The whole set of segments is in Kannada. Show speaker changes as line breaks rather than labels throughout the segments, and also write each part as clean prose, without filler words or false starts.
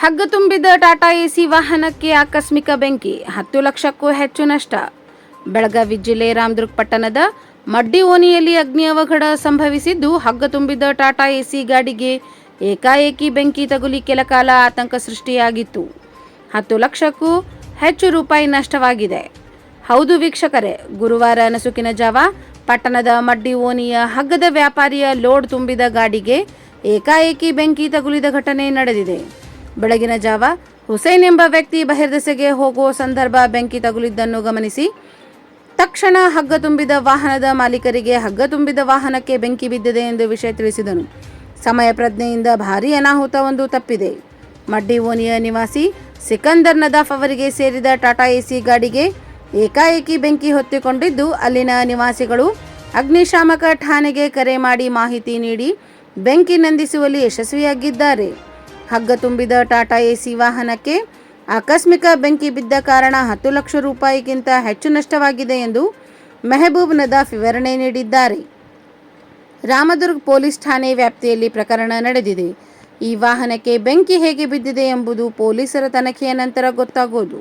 ಹಗ್ಗ ತುಂಬಿದ ಟಾಟಾ ಎಸಿ ವಾಹನಕ್ಕೆ ಆಕಸ್ಮಿಕ ಬೆಂಕಿ, 10 ಲಕ್ಷಕ್ಕೂ ಹೆಚ್ಚು ನಷ್ಟ. ಬೆಳಗಾವಿ ಜಿಲ್ಲೆ ರಾಮದುರ್ಗ ಪಟ್ಟಣದ ಮಡ್ಡಿ ಓಣಿಯಲ್ಲಿ ಅಗ್ನಿ ಅವಘಡ ಸಂಭವಿಸಿದ್ದು, ಹಗ್ಗ ತುಂಬಿದ ಟಾಟಾ ಎಸಿ ಗಾಡಿಗೆ ಏಕಾಏಕಿ ಬೆಂಕಿ ತಗುಲಿ ಕೆಲಕಾಲ ಆತಂಕ ಸೃಷ್ಟಿಯಾಗಿತ್ತು. 10 ಲಕ್ಷಕ್ಕೂ ಹೆಚ್ಚು ರೂಪಾಯಿ ನಷ್ಟವಾಗಿದೆ. ಹೌದು ವೀಕ್ಷಕರೇ, ಗುರುವಾರ ನಸುಕಿನ ಜಾವ ಪಟ್ಟಣದ ಮಡ್ಡಿ ಓಣಿಯ ಹಗ್ಗದ ವ್ಯಾಪಾರಿಯ ಲೋಡ್ ತುಂಬಿದ ಗಾಡಿಗೆ ಏಕಾಏಕಿ ಬೆಂಕಿ ತಗುಲಿದ ಘಟನೆ ನಡೆದಿದೆ. ಬೆಳಗಿನ ಜಾವ ಹುಸೇನ್ ಎಂಬ ವ್ಯಕ್ತಿ ಬಹಿರ್ದೆಸೆಗೆ ಹೋಗುವ ಸಂದರ್ಭ ಬೆಂಕಿ ತಗುಲಿದ್ದನ್ನು ಗಮನಿಸಿ ತಕ್ಷಣ ಹಗ್ಗ ತುಂಬಿದ ವಾಹನದ ಮಾಲೀಕರಿಗೆ ಹಗ್ಗ ತುಂಬಿದ ವಾಹನಕ್ಕೆ ಬೆಂಕಿ ಬಿದ್ದಿದೆ ಎಂದು ವಿಷಯ ತಿಳಿಸಿದನು. ಸಮಯ ಪ್ರಜ್ಞೆಯಿಂದ ಭಾರೀ ಅನಾಹುತವೊಂದು ತಪ್ಪಿದೆ. ಮಡ್ಡಿ ಓಣಿಯ ನಿವಾಸಿ ಸಿಕಂದರ್ ನದಾಫ್ ಅವರಿಗೆ ಸೇರಿದ ಟಾಟಾ ಎಸಿ ಗಾಡಿಗೆ ಏಕಾಏಕಿ ಬೆಂಕಿ ಹೊತ್ತಿಕೊಂಡಿದ್ದು, ಅಲ್ಲಿನ ನಿವಾಸಿಗಳು ಅಗ್ನಿಶಾಮಕ ಠಾಣೆಗೆ ಕರೆ ಮಾಡಿ ಮಾಹಿತಿ ನೀಡಿ ಬೆಂಕಿ ನಂದಿಸುವಲ್ಲಿ ಯಶಸ್ವಿಯಾಗಿದ್ದಾರೆ. ಹಗ್ಗ ತುಂಬಿದ ಟಾಟಾ ಎಸಿ ವಾಹನಕ್ಕೆ ಆಕಸ್ಮಿಕ ಬೆಂಕಿ ಬಿದ್ದ ಕಾರಣ 10 ಲಕ್ಷ ರೂಪಾಯಿಗಿಂತ ಹೆಚ್ಚು ನಷ್ಟವಾಗಿದೆ ಎಂದು ಮೆಹಬೂಬ್ ನದಾಫ್ ವಿವರಣೆ ನೀಡಿದ್ದಾರೆ. ರಾಮದುರ್ಗ ಪೊಲೀಸ್ ಠಾಣೆ ವ್ಯಾಪ್ತಿಯಲ್ಲಿ ಪ್ರಕರಣ ನಡೆದಿದೆ. ಈ ವಾಹನಕ್ಕೆ ಬೆಂಕಿ ಹೇಗೆ ಬಿದ್ದಿದೆ ಎಂಬುದು ಪೊಲೀಸರ ತನಿಖೆಯ ನಂತರ ಗೊತ್ತಾಗೋದು.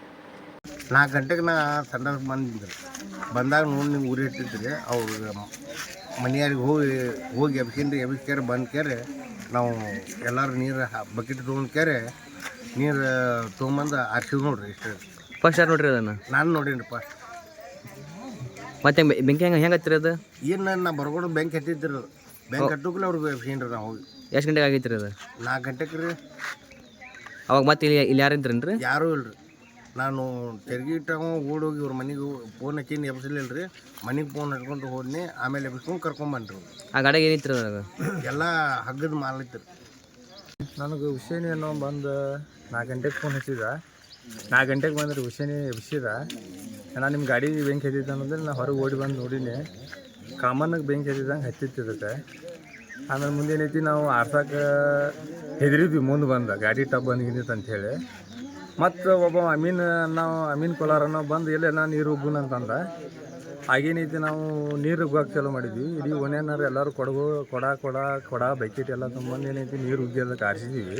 4 ಗಂಟೆಗೆ ನಾ ಸಂಡಾಸ್ ಬಂದಾಗ ನೋಡಿ ನೀವು ಊರಿ ಇಟ್ಟಿದ್ರಿ ಅವ್ರು ಮನೆಯಾರಿಗೆ ಹೋಗಿ ಎಬ್ಸ್ಕೇರೆ ಬಂದ್ಕೇರೆ ನಾವು ಎಲ್ಲರೂ ನೀರು ಬಕೆಟ್ ತೊಗೊಂಡ್ಕೇರೆ ನೀರು ತೊಗೊಂಬಂದು ಆರ್ಸಿವ್ ನೋಡ್ರಿ. ಇಷ್ಟು
ಫಸ್ಟ್ ಯಾರು ನೋಡ್ರಿ ಅದನ್ನು?
ನಾನು ನೋಡೀನಿ ಫಸ್ಟ್.
ಮತ್ತೆ ಬೆಂಕಿ ಹೆಂಗೆ ಹತ್ತಿರ ಅದು?
ಏನು ನಾ ಬರ್ಕೊಂಡು ಬೆಂಕಿ ಹತ್ತಿದ್ರು, ಬೆಂಕಿ ಹಟ್ಟುಕ್ಲೆ ಅವ್ರಿಗೆ ಎಬ್ಸ್ಕೊಂಡ್ರಿ ನಾವು ಹೋಗಿ.
ಎಷ್ಟು ಗಂಟೆಗೆ ಆಗೈತೆ ರೀ ಅದು?
4 ಗಂಟೆಗೆ ರೀ.
ಅವಾಗ ಮತ್ತೆ ಇಲ್ಲಿ ಯಾರು ಇದ್ರೇನು ರೀ?
ಯಾರೂ ಇಲ್ರಿ. ನಾನು ತೆರ್ಗಿಟ್ಟ ಓಡೋಗಿ ಇವ್ರ ಮನೆಗೆ ಫೋನ್ ಹಚ್ಚಿನಿ, ಎಬ್ಸಲಿಲ್ಲ ರೀ. ಮನೆಗೆ ಫೋನ್ ಹಚ್ಕೊಂಡು ಹೋದ್ನಿ, ಆಮೇಲೆ ಎಬ್ಸ್ಕೊಂಡು ಕರ್ಕೊಂಬಂದ್ರಿ.
ಆ ಗಾಡಿಗೆ ಏನಿತ್ತು ಅದಾಗ?
ಎಲ್ಲ ಹಗ್ಗದ ಮಾಲಿತ್ತು.
ನನಗೆ ಹುಸೇನಿ ಅನ್ನೋ ಬಂದು 4 ಗಂಟೆಗೆ ಫೋನ್ ಹಚ್ಚಿದ. 4 ಗಂಟೆಗೆ ಬಂದ್ರೆ ಹುಸೇನಿ ಎಬ್ಸಿದ. ನಾನು ನಿಮ್ಮ ಗಾಡಿ ಬೆಂಕಿ ಹತ್ತಿದ್ದ ಅನ್ನೋದ್ರೆ ನಾ ಹೊರಗೆ ಓಡಿ ಬಂದು ನೋಡಿನಿ. ಕಾಮನ್ನಾಗಿ ಬೆಂಕಿ ಹತ್ತಿದ್ದಂಗೆ ಹತ್ತಿದ್ದಕ್ಕೆ. ಆಮೇಲೆ ಮುಂದೇನೈತಿ, ನಾವು ಆರ್ಸಕ್ಕೆ ಹೆದರಿದ್ವಿ ಮುಂದೆ ಬಂದ ಗಾಡಿ ಟಬ್ ಬಂದಿತ್ತು ಅಂಥೇಳಿ. ಮತ್ತು ಒಬ್ಬ ಅಮೀನ್ ಕೊಲಾರನೋ ಬಂದು ಎಲ್ಲೆಲ್ಲ ನೀರು ಉಗ್ಗುನ ಅಂತಂದ. ಆಗೇನೈತಿ, ನಾವು ನೀರು ಉಗ್ಗಕ್ಕೆ ಚಾಲೂ ಮಾಡಿದ್ವಿ. ಇಡೀ ಒಣೆನಾರು ಎಲ್ಲರೂ ಕೊಡ ಬಕೆಟ್ ಎಲ್ಲ ತೊಗೊಂಬಂದು ಏನೈತಿ ನೀರು ಉಗ್ಗಿ ಅದಕ್ಕೆ ಆರಿಸಿದ್ದೀವಿ.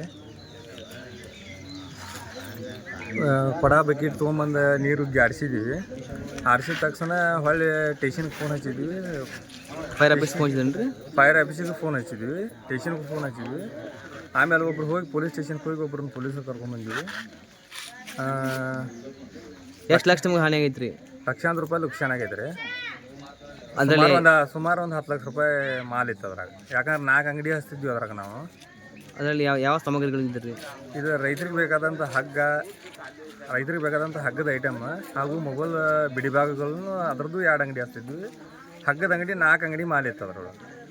ಕೊಡ ಬಕೆಟ್ ತೊಗೊಂಬಂದು ನೀರು ಉಗ್ಗಿ ಆರಿಸಿದ್ದೀವಿ. ಆರಿಸಿದ ತಕ್ಷಣ ಹೊಳ್ಳಿ ಸ್ಟೇಷನ್ಗೆ ಫೋನ್ ಹಚ್ಚಿದ್ವಿ.
ಫೈರ್ ಆಫೀಸ್ಗೆ ಫೋನ್ ಹಚ್ಚಿದ್ದೇನೆ ರೀ?
ಫೈರ್ ಆಫೀಸಿಗೆ ಫೋನ್ ಹಚ್ಚಿದ್ವಿ, ಸ್ಟೇಷನ್ಗೆ ಫೋನ್ ಹಚ್ಚಿದ್ವಿ. ಆಮೇಲೆ ಒಬ್ರು ಹೋಗಿ ಪೊಲೀಸ್ ಸ್ಟೇಷನ್ಗೆ ಹೋಗಿ ಒಬ್ರನ್ನ ಪೊಲೀಸರು ಕರ್ಕೊಂಡ್ಬಂದಿವಿ.
ಎಷ್ಟು ಲಕ್ಷ ನಿಮ್ಗೆ ಹಾನಿ ಆಗೈತೆ ರೀ?
ಲಕ್ಷಾಂತರ ರೂಪಾಯಿ ಲುಕ್ಷಾನ್ ಆಗೈತೆ ರೀ.
ಅದರಲ್ಲಿ
ಸುಮಾರು ಒಂದು 10 ಲಕ್ಷ ರೂಪಾಯಿ ಮಾಲ್ ಇತ್ತು ಅದ್ರಾಗ. ಯಾಕಂದ್ರೆ 4 ಅಂಗಡಿ ಹಚ್ತಿದ್ವಿ ಅದ್ರಾಗ ನಾವು.
ಅದರಲ್ಲಿ ಯಾವ ಸಾಮಗ್ರಿಗಳಿದ್ದ ರೀ?
ಇದು ರೈತರಿಗೆ ಬೇಕಾದಂಥ ಹಗ್ಗದ ಐಟಮ್ ಹಾಗೂ ಮೊಬೈಲ್ ಬಿಡಿಭಾಗಗಳನ್ನು ಅದ್ರದ್ದು 2 ಅಂಗಡಿ ಹಚ್ತಿದ್ವಿ. ಹಗ್ಗದ ಅಂಗಡಿ 4 ಅಂಗಡಿ ಮಾಲ್ ಇತ್ತು ಅದ್ರೊಳಗೆ.